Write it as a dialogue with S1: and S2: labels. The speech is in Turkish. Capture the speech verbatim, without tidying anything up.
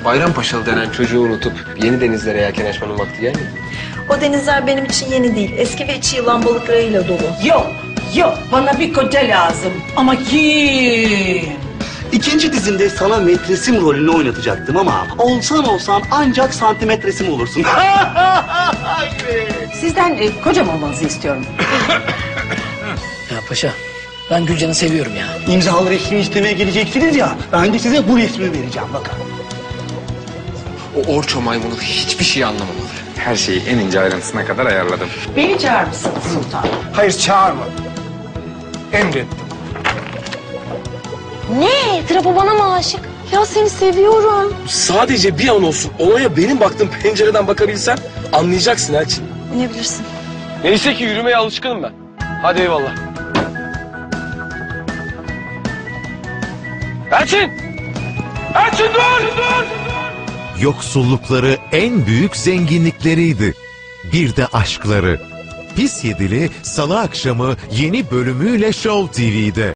S1: Bayrampaşalı denen çocuğu unutup yeni denizlere yelken açmanın vakti gelmedi.
S2: O denizler benim için yeni değil. Eski ve içi yılan balıklarıyla dolu.
S3: Yok, yok. Bana bir koca lazım. Ama kim?
S4: İkinci dizimde sana metresim rolünü oynatacaktım ama olsan olsan ancak santimetresim olursun.
S3: Sizden e, kocam olmanızı istiyorum.
S5: Ya paşa, ben Gülcan'ı seviyorum ya.
S4: İmzalı resmi istemeye geleceksiniz ya, ben de size bu resmi vereceğim bakın.
S1: O orço maymunu hiçbir şey anlamamalı.
S6: Her şeyi en ince ayrıntısına kadar ayarladım.
S3: Beni çağır mısın sultan?
S7: Hayır çağırmadım. Emrettim.
S8: Ne? Trapo bana mı aşık? Ya seni seviyorum.
S9: Sadece bir an olsun olaya benim baktığım pencereden bakabilsen anlayacaksın Elçin.
S8: Ne bilirsin?
S9: Neyse ki yürümeye alışkınım ben. Hadi eyvallah. Elçin! Elçin dur! Dur!
S10: Yoksullukları en büyük zenginlikleriydi. Bir de aşkları. Pis Yedili Salı akşamı yeni bölümüyle Show T V'de.